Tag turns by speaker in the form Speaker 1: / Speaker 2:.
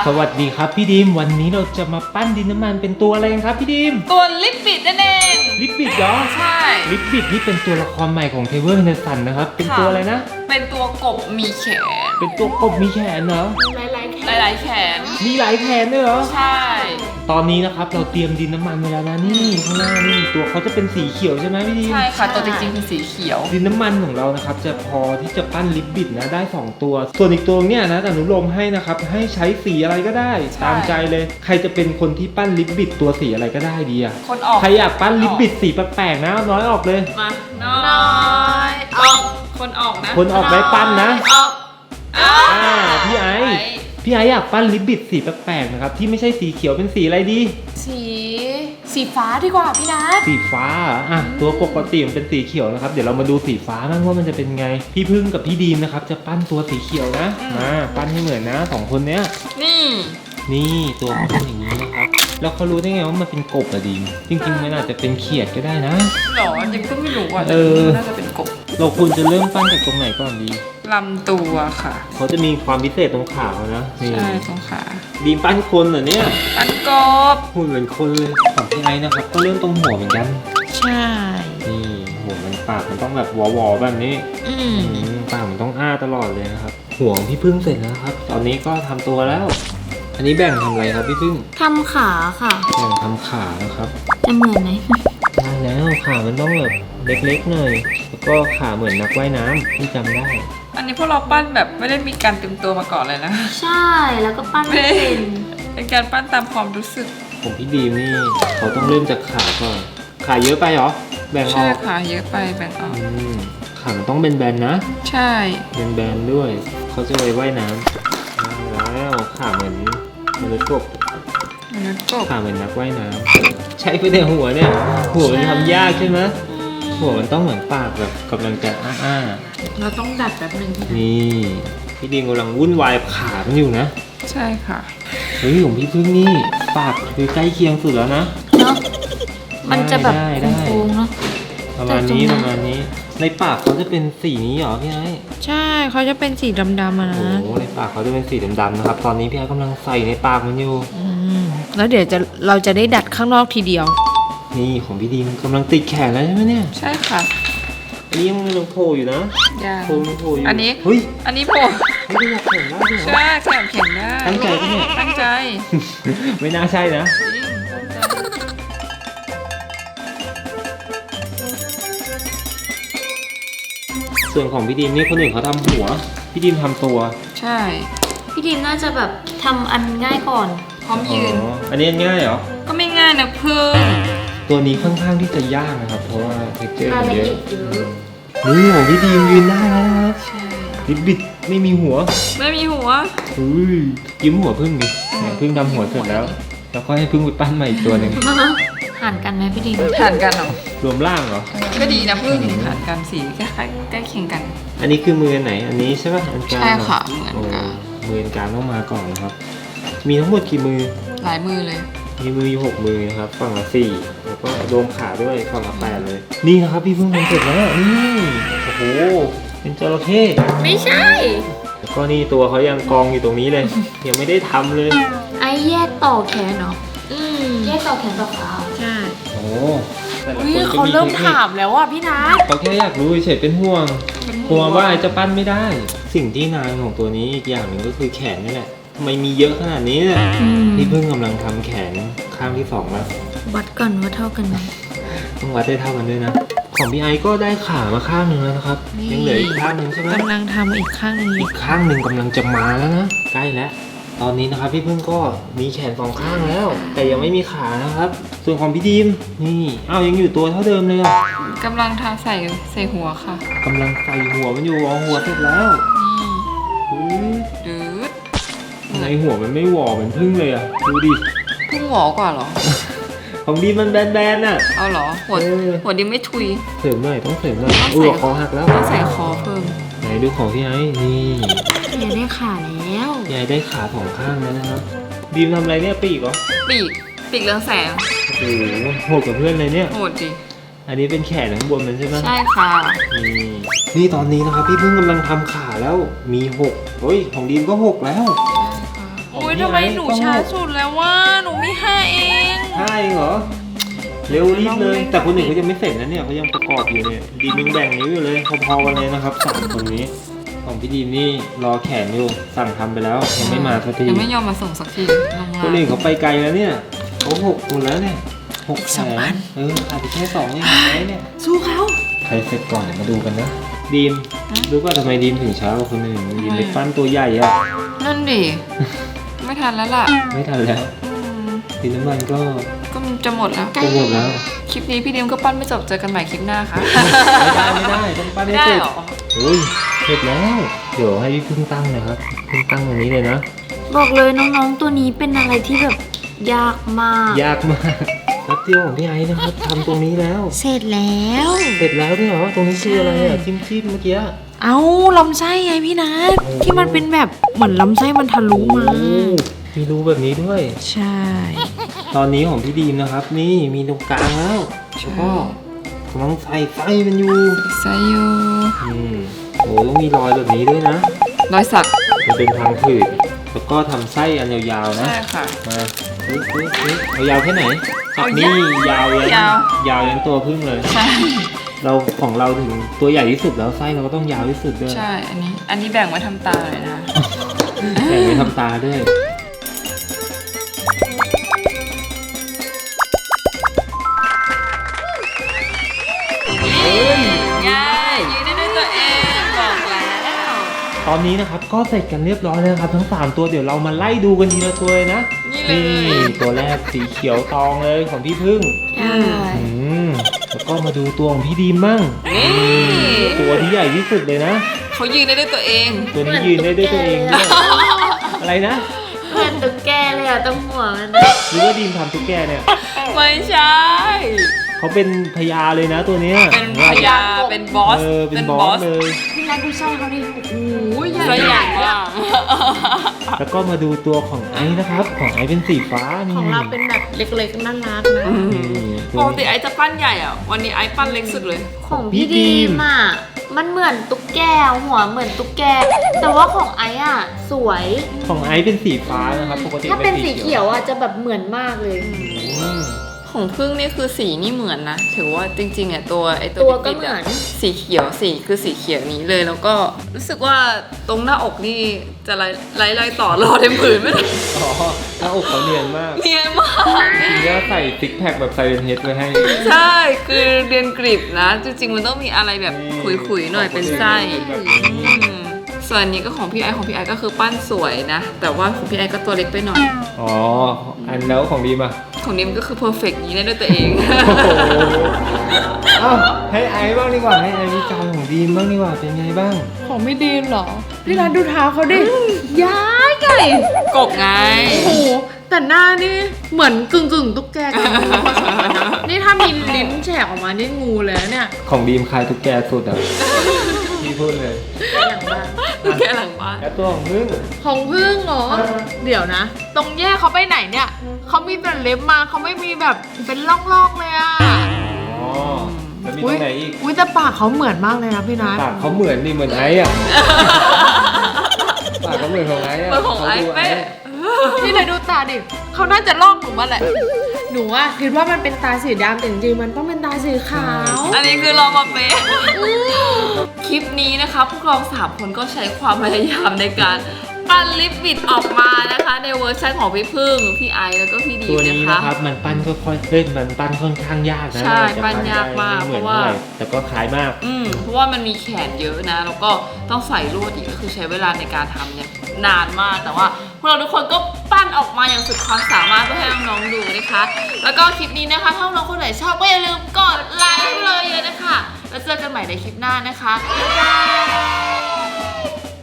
Speaker 1: สวัสดีครับพี่ดิมวันนี้เราจะมาปั้นดินน้ำมันเป็นตัวอะไรกันครับพี่ดิม
Speaker 2: ตัวลิปบิดนั่นเอง
Speaker 1: ลิปบิดเหรอ
Speaker 2: ใช่
Speaker 1: ลิปบิดนี่เป็นตัวละครใหม่ของเทเวอร์เนสันนะครับเป็นตัวอะไรนะ
Speaker 2: เป็นตัวกบมีแขน
Speaker 1: เป็นตัวกบมีแขนเหรอ
Speaker 2: หลายแขน
Speaker 1: มีหลายแขนด้วยเหรอ
Speaker 2: ใช่
Speaker 1: ตอนนี้นะครับเราเตรียมดินน้ำมันไว้แล้วนะนี่ข้างหน้านี่ตัวเขาจะเป็นสีเขียวใช่ไหมพี่ดิม
Speaker 2: ใช่ค่ะตัวจริงๆคือสีเขียว
Speaker 1: ดินน้ำมันของเรานะครับจะพอที่จะปั้นลิปบิดนะได้2ตัวส่วนอีกตัวเนี่ยนะอนุโลมให้นะครับให้ใช้สีอะไรก็ได้ตามใจเลยใครจะเป็นคนที่ปั้นลิปบิดตัวสีอะไรก็ได้ดีอะ
Speaker 2: คนออก
Speaker 1: ใครอยากปั้นลิปบิดสีแปลกๆนะน้อยออกเลย
Speaker 2: มาน้อยออกคนออกนะ
Speaker 1: คนออกได้ปั้นนะ
Speaker 2: ออก
Speaker 1: พี่ไออยากปั้นลิปบิดสีแปลกๆนะครับที่ไม่ใช่สีเขียวเป็นสีอะไรดี
Speaker 2: สีฟ้าดีกว่าพี่นัท
Speaker 1: สีฟ้าอ่ะตัวปกติมันเป็นสีเขียวนะครับเดี๋ยวเรามาดูสีฟ้าบ้างว่ามันจะเป็นไงพี่พึ่งกับพี่ดีมนะครับจะปั้นตัวสีเขียวนะมาปั้นให้เหมือนนะ2คนเนี้ยนี่ตัวเขาเป็นอย่างนี้นะครับแล้วเขารู้ได้ไงว่ามันเป็นกบอะดีมจริงๆมันอาจจะเป็นเขียดก็ได้นะ
Speaker 2: หรอยังก็ไม่รู้ว่าน่าจะเป็นกบ
Speaker 1: เราควรจะเริ่มปั้นจากตรงไหนก่อนดี
Speaker 2: ลำตัวค่ะ
Speaker 1: เขาจะมีความพิเศษตรงขานะ
Speaker 2: ใช่ตรงขา
Speaker 1: ดีมปั้นคนเหรอเนี่ย
Speaker 2: ปั้นกบ
Speaker 1: หุ่นเหมือนคนเลยของพี่ไอนะครับก็เริ่มตรงหัวเหมือนกัน
Speaker 2: ใช่
Speaker 1: นี่หัวมันปากมันต้องแบบวอๆแบบนี้ปากมันต้องอ้าตลอดเลยนะครับหัวของพี่พึ่งเสร็จแล้วครับตอนนี้ก็ทำตัวแล้วอันนี้แบ่งทำอะไรครับพี่พึ่ง
Speaker 3: ทำขาค่ะ
Speaker 1: แบ่งทำขานะครับ
Speaker 3: จะเหมือนไหม
Speaker 1: ได้แล้วขามันต้องแบบเล็กๆหน่อยแล้วก็ขาเหมือนนักว่ายน้ำที่จำได้
Speaker 2: อันนี้พวกเราปั้นแบบไม่ได้มีการเตรียมตัวมาก่อนเลยนะ
Speaker 3: ใช่แล้วก็ปั้นไม่
Speaker 2: เป็นการปั้นตามความรู้สึก
Speaker 1: ผมพี่ดีมนี่เขาต้องเริ่มจากขาก่อนขาเยอะไปเหรอแบ่งออก
Speaker 2: ใช่ขาเยอะไปแบ่งออก
Speaker 1: ขามันต้องเป็นแบนนะ
Speaker 2: ใช่
Speaker 1: เป็นแบนด้วยเขาจะไปว่ายน้ำแล้วขาเหมือนมนุษย์กบขาเหมือนนักว่ายน้ำใช้ไปในหัวเนี่ยหัวมันทำยากใช่ไหมหัวมันต้องเหมือนปากแบบกำลังจะอ้า
Speaker 2: เราต้องดัดแบบนึง
Speaker 1: นี่พี่ดีมกำลังวุ่นวายขามันอยู่นะ
Speaker 2: ใช่ค่ะ
Speaker 1: เฮ้ยของพี่พึ่งนี่ปากคือใกล้เคียงสุดแล้วนะ
Speaker 3: เนาะมันจะแบบโค้งเนาะ
Speaker 1: ประมาณนี้ในปากเขาจะเป็นสีนี้เหรอพี่ไอ้
Speaker 2: ใช่เขาจะเป็นสีดำๆนะ
Speaker 1: โอ้ในปากเขาจะเป็นสีดำๆนะครับตอนนี้พี่ไอ้กำลังใส่ในปากมันอยู่
Speaker 2: แล้วเดี๋ยวเราจะได้ดัดข้างนอกทีเดียว
Speaker 1: นี่ของพี่ดีมกำลังติดแขนแล้วใช่ไหมเนี่ย
Speaker 2: ใช่ค่ะ
Speaker 1: อันนี้ยังโผล่อยู่นะโผล่อยู่
Speaker 2: อันนี้
Speaker 1: เฮ้ย
Speaker 2: อันนี้โผล่
Speaker 1: ไม่ได้อยากแข่งได้ด้วย
Speaker 2: ใช่แข่งได้
Speaker 1: ตั้งใจปะเนี่ย
Speaker 2: ตั้งใจ
Speaker 1: ไม่น่าใช่นะส่วนของพี่ดีมนี่คนอื่นเขาทำหัวพี่ดีมทำตัว
Speaker 2: ใช่
Speaker 3: พี่ดีมน่าจะแบบทำอันง่ายก่อน
Speaker 2: พร้อมยืน
Speaker 1: อันนี้ง่ายเหรอ
Speaker 2: ก็ไม่ง่ายนะเพิ่ม
Speaker 1: ตัวนี้ค่อนข้างที่จะยากนะครับเพราะว่าเทคเจอร์มันเยอะนี่ของพี่ดีมยืนได้แล้วนะครับลิปบิดไม่มีหัวยิ้มหัวพึ่งดิพึ่งทำหัวเสร็จแล้วก็ให้พึ่งไปปั้นใหม่อีกตัวหนึ่ง
Speaker 3: ห่านกันไหมพี่ดีม
Speaker 2: ห่านกันเหรอ
Speaker 1: รวมร่างเหรอ
Speaker 2: ก็ดีนะพึ่งห่านกันสีใกล้เคียงกัน
Speaker 1: อันนี้คือมือไหนอันนี้ใช่ป่ะอันกลาง
Speaker 2: ใช่ค่ะเหมือนกัน
Speaker 1: มืออันกลางต้องมาก่อนนะครับมีทั้งหมดกี่มือ
Speaker 2: หลายมือเลย
Speaker 1: มีมืออยู่6มือนะครับฝั่งละ4แล้วก็รวมขาด้วยฝั่งละ8เลยนี่นะครับพี่เพิ่งทำเสร็จแล้วนี่โอ้โหเป็นจระเข้
Speaker 3: ไม่ใช่
Speaker 1: แล้วก็นี่ตัวเขายังกองอยู่ตรงนี้เลยยังไม่ได้ทำเลย
Speaker 3: ไอ้แยกต่อแขนเนาะแยกต่อแขนต่อขา
Speaker 2: ใช่
Speaker 1: โอ้
Speaker 2: แต่ละคนเขาเริ่มถามแล้วอ่ะพี่นัท
Speaker 1: เขาแค่อยากรู้เฉยเป็นห่วงกลัวว่าจะปั้นไม่ได้สิ่งที่นายของตัวนี้อีกอย่างหนึ่งก็คือแขนนี่แหละทำไมมีเยอะขนาดนี้เนี่ยพี่เพิ่งกำลังทำแขนข้างที่2แล้ว
Speaker 3: วัดก่อนว่าเท่ากันไหม
Speaker 1: ต้องวัดได้เท่ากันด้วยนะของพี่ไอก็ได้ขามาข้างหนึ่งแล้วนะครับยังเหลืออีกข้างหนึ่งใช่ไหม
Speaker 2: กำลังทำอีกข้างหนึ่ง
Speaker 1: กำลังจะมาแล้วนะใกล้แล้วตอนนี้นะครับพี่เพิ่งก็มีแขน2ข้างแล้วแต่ยังไม่มีขานะครับส่วนของพี่ดีมนี่ยังอยู่ตัวเท่าเดิมเลย
Speaker 2: กำลังทาใส่หัวค่ะ
Speaker 1: กำลังใส่หัวมันอยู่หัวเสร็จแล้ว
Speaker 2: ดื้อ
Speaker 1: ในหัวมันไม่หวอเหมือนพึ่งเลยอ่ะดูดิ
Speaker 2: พึ่งหวอกว่าหรอ
Speaker 1: ของดีมันแบนๆน่ะ
Speaker 2: เอาหรอหัวดีไม่ทุย
Speaker 1: เสริมหน่อยต้องเสริมหน่อยคอหักแล้ว
Speaker 2: ต้องใส่คอเพิ่ม
Speaker 1: ไหนดูของพี่ไอ้นี่
Speaker 3: ยายได้ขาแล้ว
Speaker 1: ยายได้ขา2ข้างแล้วนะครับดีมทำอะไรเนี่ยปีกเหรอ
Speaker 2: ปีกเรืองแสง
Speaker 1: โอ้โหโหดกับเพื่อนเลยเนี่ย
Speaker 2: โหดจริง
Speaker 1: อันนี้เป็นแขนข้างบนมันใช่ไหม
Speaker 2: ใช่ค่ะ
Speaker 1: นี่ตอนนี้นะครับพี่เพิ่งกำลังทำขาแล้วมี6เฮ้ยของดีมก็6แล้ว
Speaker 2: โอ้ย
Speaker 1: พี่
Speaker 2: ทำไม
Speaker 1: ไอ้
Speaker 2: หนู
Speaker 1: ก็
Speaker 2: ช้าสุดแล้วว่าหนูมี5เอง
Speaker 1: ใช่เหรอเร็วรีบเลย แต่คนอื่นเขายังไม่เสร็จนะเนี่ยเขายังประกอบอยู่เนี่ยดีมยังแบ่งนิ้วอยู่เลยพอๆกันเลยนะครับ3คนนี้ของพี่ดีมนี่รอแขนอยู่สั่งทำไปแล้วยังไม่มาสักที
Speaker 2: ยังไม่ยอมมาส่งสักทีลง
Speaker 1: คนอื่นเขาไปไกลแล้วเนี่ยเขา6คนแล้วเนี่ย6
Speaker 2: อีก
Speaker 1: แข
Speaker 2: สองอั
Speaker 1: น
Speaker 2: น
Speaker 1: ขาดไปแค่2เองไหมเนี่ย
Speaker 2: สู้เขา
Speaker 1: ใครเสร็จก่อนเดี๋ยวมาดูกันนะดีมรู้ป่ะทำไมดีมถึงช้ากว่าคนอื่นดีมไปปั้นตัวใหญ่อะ
Speaker 2: นั่นดิ ไม่ทันแล้วล่ะ
Speaker 1: ไม่ทันแล้วดินน้ำมันก็
Speaker 2: ก็มันจะหมดแล้ว
Speaker 1: จะหมดแล้ว
Speaker 2: คลิปนี้พี่ดิมก็ปั้นไม่จบเจอกันใหม่คลิปหน้าค่ะ
Speaker 1: ไม่ได้ต้องปั้นให้
Speaker 2: ไม่ได้
Speaker 1: เสร็จ
Speaker 2: หรอ
Speaker 1: โอ้ยเสร็จแล้ว เดี๋ยวให้พี่พึ่งตั้งเลยครับพึ่งตั้งตรงนี้เลยนะ
Speaker 3: บอกเลยน้องๆตัวนี้เป็นอะไรที่แบบยากมาก
Speaker 1: ยากมากแป๊บเดียวของพี่ไอ้นะครับทำตรงนี้แล้ว
Speaker 3: เสร็จแล้ว
Speaker 1: เสร็จแล้วด้วยเหรอตรงนี้คืออะไรอ่ะจิ้มเมื่อกี้
Speaker 3: เอาลำไส้ไงพี่นัทที่มันเป็นแบบเหมือนลำไส้มันทะลุมา
Speaker 1: โอ้มีรูแบบนี้ด้วย
Speaker 3: ใช่
Speaker 1: ตอนนี้ของพี่ดีมนะครับ นี่มีตรงกลางแล้วแล้วก็กำลังใส่ไส้มันอยู่
Speaker 2: ไซโย
Speaker 1: โอ้ต้องมีรอยแบบนี้ด้วยนะ
Speaker 2: รอยสัก
Speaker 1: มันเป็นทางผืดแล้วก็ทำไส้อันยาวๆนะ
Speaker 2: ใช่ค่ะ
Speaker 1: มาเอายาวแค่ไหน
Speaker 2: เอา
Speaker 1: นี่ยาวยัน
Speaker 2: ยาว
Speaker 1: ยาวยันตัวพึ่งเลย
Speaker 2: ใช่
Speaker 1: เราของเราถึงตัวใหญ่ที่สุดแล้วไส้เราก็ต้องยาวที่สุดด้วย
Speaker 2: ใช่ อันนี้แบ่งไว้ทำตาเลยนะ
Speaker 1: แต่ไม่ทำตาด้วย
Speaker 2: ง่ายยืนได้ด้วยตัวเองบอกแล้ว
Speaker 1: ตอนนี้นะครับก็เสร็จกันเรียบร้อยแล้วนะครับทั้ง3ตัวเดี๋ยวเรามาไล่ดูกันทีละตัวเลยนะ
Speaker 2: นี่เลย
Speaker 1: ตัวแรกสีเขียวตองเลยของพี่พึ่ง
Speaker 3: ใช่
Speaker 1: แล้วก็มาดูตัวของพี่ดีมบ้าง
Speaker 2: นี่
Speaker 1: ตัวที่ใหญ่ที่สุดเลยนะ
Speaker 2: เขายืนได้ด้วยตัวเอง
Speaker 1: ตัวนี้ยืนได้ด้วยตัวเองด้วยอะไรนะ
Speaker 3: เพื่อนตุ๊กแกเลยอะต้องหัวมันนะ
Speaker 1: หรือว่าดีมทำตุ๊กแกเนี่ย
Speaker 2: ไม่ใช่
Speaker 1: เขาเป็นพญาเลยนะตัวเนี้ย
Speaker 2: เป็นพญาเป็นบอส
Speaker 1: เป็นบอสเลย
Speaker 3: พี่นัทดูไส้เขาดิโอ้ยใหญ่
Speaker 2: ตัวใหญ่มาก
Speaker 1: แล้วก็มาดูตัวของไอซ์นะครับ ของไอซ์เป็นสีฟ้านี่
Speaker 3: ของเราเป็นแบบเล็กๆน่ารักนะ
Speaker 2: ปกติไอซ์จะปั้นใหญ่อ่ะ วันนี้ไอซ์ปั้นเล็กสุดเลย
Speaker 3: ของพี่ดีมอะมันเหมือนตุ๊กแกหัวเหมือนตุ๊กแก แต่ว่าของไอ้อะสวย
Speaker 1: ของไอซ์เป็นสีฟ้านะครับปกติ
Speaker 3: ถ้าเป็นสีเขียวอะจะแบบเหมือนมากเลย
Speaker 1: อืม
Speaker 2: ของพึ่งนี่คือสีนี่เหมือนนะ ถือว่าจริงๆอ่ะตัวไอ
Speaker 3: ตัวก็
Speaker 2: บิ๊ๆะ
Speaker 3: เหมือน
Speaker 2: สีเขียวสีคือสีเขียวนี้เลย แล้วก็รู้สึกว่าตรงหน้าอกนี่จะไล่ต่อรอเต็มผืนไม่ได้
Speaker 1: อ๋อหน้าอกเขาเนียนมาก
Speaker 2: เนียนมาก
Speaker 1: ทีนี้ใส่ซิกแพคแบบไซเรนเฮดไว้ให้
Speaker 2: ใช่ คือเรียนกริบนะ จริงๆมันต้องมีอะไรแบบขุยๆหน่อยเป็นไส้อืมส่วนอันนี้ก็ของพี่ไอซ์ก็คือปั้นสวยนะ แต่ว่าของพี่ไอซ์ก็ตัวเล็กไปหน่อย
Speaker 1: อ๋อ อันแล้วของดีมอ่ะ
Speaker 2: ของนิมก็คือเพอร์เฟกต์นี้ได้ด้วยตัวเอง
Speaker 1: โอ้โหเอ้าให้ไอซ์บ้างดีกว่าให้ไอซ์วิจารณ์ของดีมบ้างดีกว่าเป็นไงบ้าง
Speaker 4: ของไม่ดีมเหรอ พี่นัทดูเท้าเขาดิ ย้ายไก่
Speaker 2: กบไง
Speaker 4: โอ้โหแต่หน้านี่เหมือนกึ่งตุ๊กแกกับงูผสมกันนะนี่ถ้ามีลิ้นแฉกออกมานี่งูเลยนะเนี่ย
Speaker 1: ของดีมคลายตุ๊กแกสุดอ่ะ พี่พูดเลย
Speaker 3: อย่างบ้าง
Speaker 2: แค่หลังบ้าน
Speaker 1: แล้วตัวของพึ่ง
Speaker 4: ของพึ่งเหรอ เดี๋ยวนะ ตรงแยกเขาไปไหนเนี่ยเขามีแต่เล็บมาเขาไม่มีแบบเป็นร่องๆเลยอ่ะ
Speaker 1: อ๋อ แล้วมีตรงไหนอีก
Speaker 4: อุ้ยแต่ปากเขาเหมือนมากเลยนะพี่นัท
Speaker 1: ปากเขาเหมือนนี่เหมือนไอซ์อ่ะ ปากเขาเหมือนของไอซ์อ่ะ
Speaker 2: เหมือนของไอซ์
Speaker 1: ขาดู
Speaker 2: เป๊ะ
Speaker 4: พี่เลยดูตาดิเขาน่าจะลอกหนูมาแหละ หนูอะคิดว่ามันเป็นตาสีดำแต่จริงๆมันต้องเป็นตาสีขาว
Speaker 2: อันนี้คือลองมาเป๊ะ คลิปนี้นะคะพวกเรา3คนก็ใช้ความพยายามในการปั้นลิปบิดออกมานะคะ ในเวอร์ชันของพี่พึ่ง พี่ไอซ์แล้วก็พี่ดี
Speaker 1: ตัว
Speaker 2: นะ
Speaker 1: นี้
Speaker 2: คะ
Speaker 1: นะครับ มันปั้นค่อยๆเล่นมันปั้นค่อนข้างยากนะ
Speaker 2: ใช่
Speaker 1: จะ
Speaker 2: ปั้นยากมาก
Speaker 1: ได้ไเหมือน
Speaker 2: เพราะว่า
Speaker 1: เท่าไหร่แต่ก็คล้ายมาก
Speaker 2: เพราะว่ามันมีแขนเยอะนะ แล้วก็ต้องใส่ลวดอีกก็คือใช้เวลาในการทำเนี่ยนานมาก แต่ว่าพวกเราทุกคนก็ปั้นออกมาอย่างสุดความสามารถเพื่อให้น้องๆดูนะคะ แล้วก็คลิปนี้นะคะถ้าน้องคนไหนชอบก็อย่าลืมกดไลค์ให้เลยนะคะแล้วเจอกันใหม่ในคลิปหน้านะคะบ๊ายบาย